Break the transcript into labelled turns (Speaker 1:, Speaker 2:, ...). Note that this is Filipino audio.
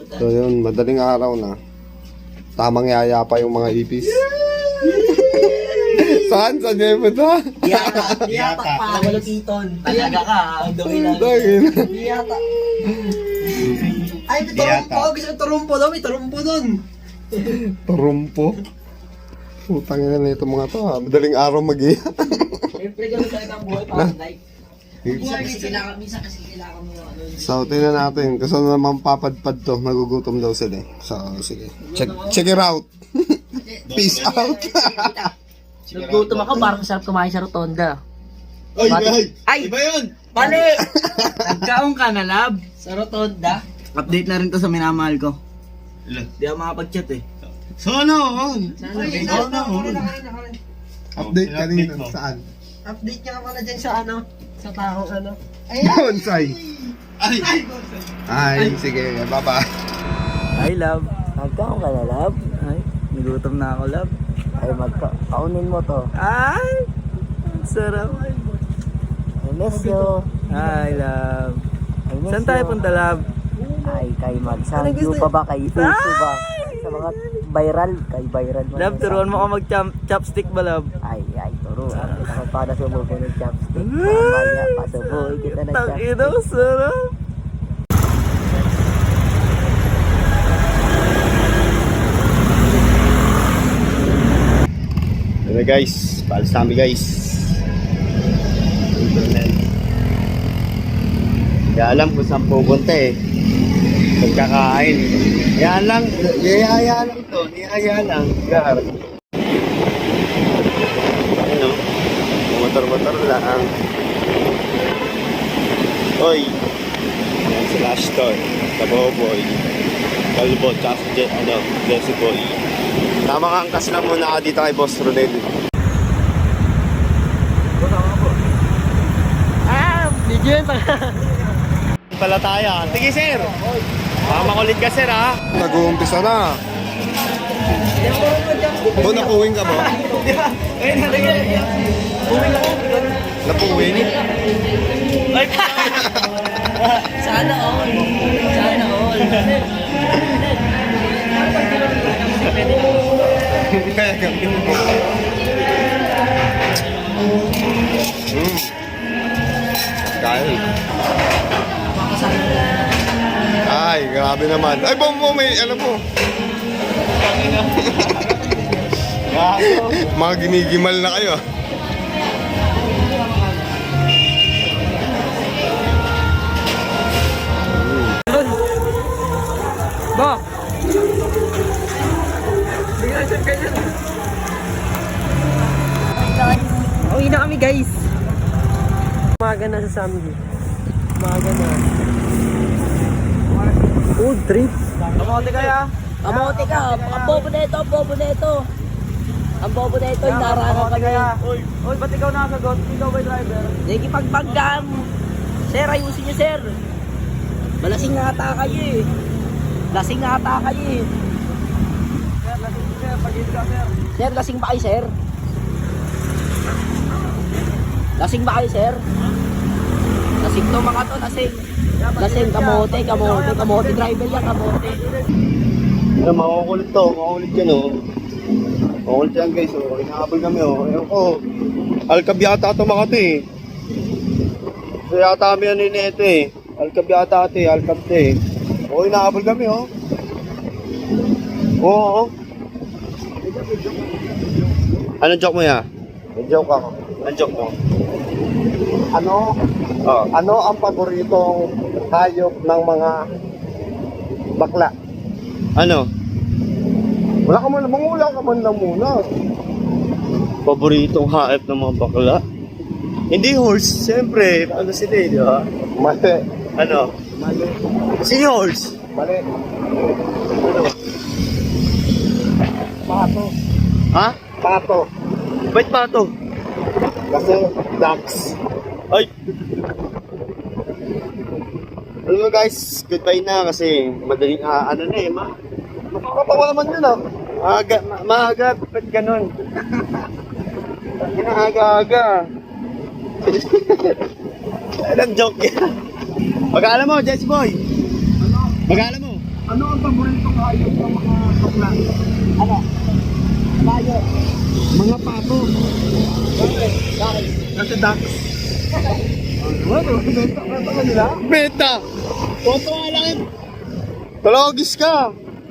Speaker 1: So yun, madaling araw na. Tamang yaya pa yung mga ipis. Saan? Saan niya yung punta?
Speaker 2: Diyata pa. Malupiton. Talaga ka. Ang dumi lang. Diyata. Ay, may turumpo. Gusto ko turumpo daw. May turumpo dun.
Speaker 1: Turumpo? Putang ina na ito mga to ha. Madaling araw mag-iya.
Speaker 2: Siyempre gano'n talaga ang buhay parang like. Minsan kasi kailangan mo yung ano.
Speaker 1: So, tingnan natin. Kasi naman papadpad to. Nagugutom daw sila eh. So, sige. Check it out. Peace out.
Speaker 2: Naggutom ako, parang sarap kumain sa rotonda.
Speaker 3: Ay! Iba yun!
Speaker 2: Mali! Nagkaong ka na, lab? Sa rotonda?
Speaker 3: Update na rin to sa minamahal ko.
Speaker 2: Di ako makapag-chat eh.
Speaker 3: Sana on!
Speaker 1: Update ka rin. Saan?
Speaker 2: Update ka pala dyan sa ano? Sa taong ano?
Speaker 1: Bonsai. Ay, sige. Bye-bye.
Speaker 2: Ay, love. Nagkaong ka na, love? Ay, nagutom na ako, love. Ay, kaunin mo to. Ay! Ang sarap. I miss you. Ay, love. Saan tayo punta, love?
Speaker 4: Ay, kay mag-sangyu pa ba? Kay Uso ba? Sa mga viral, kay viral.
Speaker 2: Love, turuan mo ako mag-chopstick ba, love?
Speaker 4: Ay, turo. Ako para sumubo ng chopstick. Mamaya, pasubuhin kita ng chopstick.
Speaker 2: Tangina, sarap.
Speaker 1: Ano guys, paalis namin guys. Kaya alam kung saan pupunta eh. Pagkakain. Yan lang, niyaya lang to, niyaya lang. Gar. Ano? Motor-motor lang. Oy. Yan si Ashton, Kaboboy, Kalbo, tsaka si Jesse Boy. Tama ka, angkas lang muna ka dito kay Boss Rodel.
Speaker 2: Video yun pa.
Speaker 1: Palataya. Sige sir. Baka makulit ka sir ha. Nag-uumpisa na. Bo, napuwing ka ba? Napuwing?
Speaker 2: Sana all. Sana all.
Speaker 1: Kaya kami mo. Kaya. Ay, grabe naman. Ay, bombo, may alam mo. Mga ginigimal na kayo.
Speaker 2: Ba? Uwi na kami guys. Umaga na sa Samgi. Umaga na. Food trip.
Speaker 3: Kamote kaya?
Speaker 2: Kamote ka. Ang bobo na ito. Ang bobo na ito. Ang bobo na ito. Narangan kami.
Speaker 3: Uy, ba't ikaw nakasagot? Ikaw ba yung driver?
Speaker 2: Sige pagpaggam. Sir, ayusin niyo sir. Malasing nga ata kayo eh. Lasing nga ata kayo eh.
Speaker 3: Sir, lasing sir. Pag-ibig ka sir.
Speaker 2: Sir, lasing ba kayo sir? Lasing ba kayo sir? Lasing to mga to, lasing. Lasing, kamote, driver yan, kamote.
Speaker 1: Ano, makukulit to. Makukulit yan oh. Makukulit yan guys oh. Inahabol kami oh. Ayun ko. Alcab yata ito Makati eh. So yata kami ano yun ito eh. Alcab yata ito eh. Alcab ito eh. Oo, inahabol kami oh. Oo. Anong joke mo ya? May joke ako. Anong joke mo? Ano ang paboritong hayop ng mga bakla? Ano? Wala ka man, mangula ka man lang muna. Paboritong hayop ng mga bakla? Hindi horse, siyempre. Ano sila eh, di ba? Mali. Ano? Mali. Si horse? Mali. Ano? Pato. Ha? Pato. Ba't pato? Kasi ducks. Ay! Hello guys, goodbye na kasi madaling ano na eh, makakatawa naman yun ah. Maaga, ba't ganun? Aga-aga. Anong joke yan? Mag-aalam mo, Jesse Boy? Mag-aalam mo? Ano ang paboritong hayop ng mga bakla?
Speaker 4: Ano? Bayo.
Speaker 1: Mga pato.
Speaker 4: Bakit?
Speaker 1: Kasi ducks. Benta nila? Benta! Totoo lang. Talogis ka!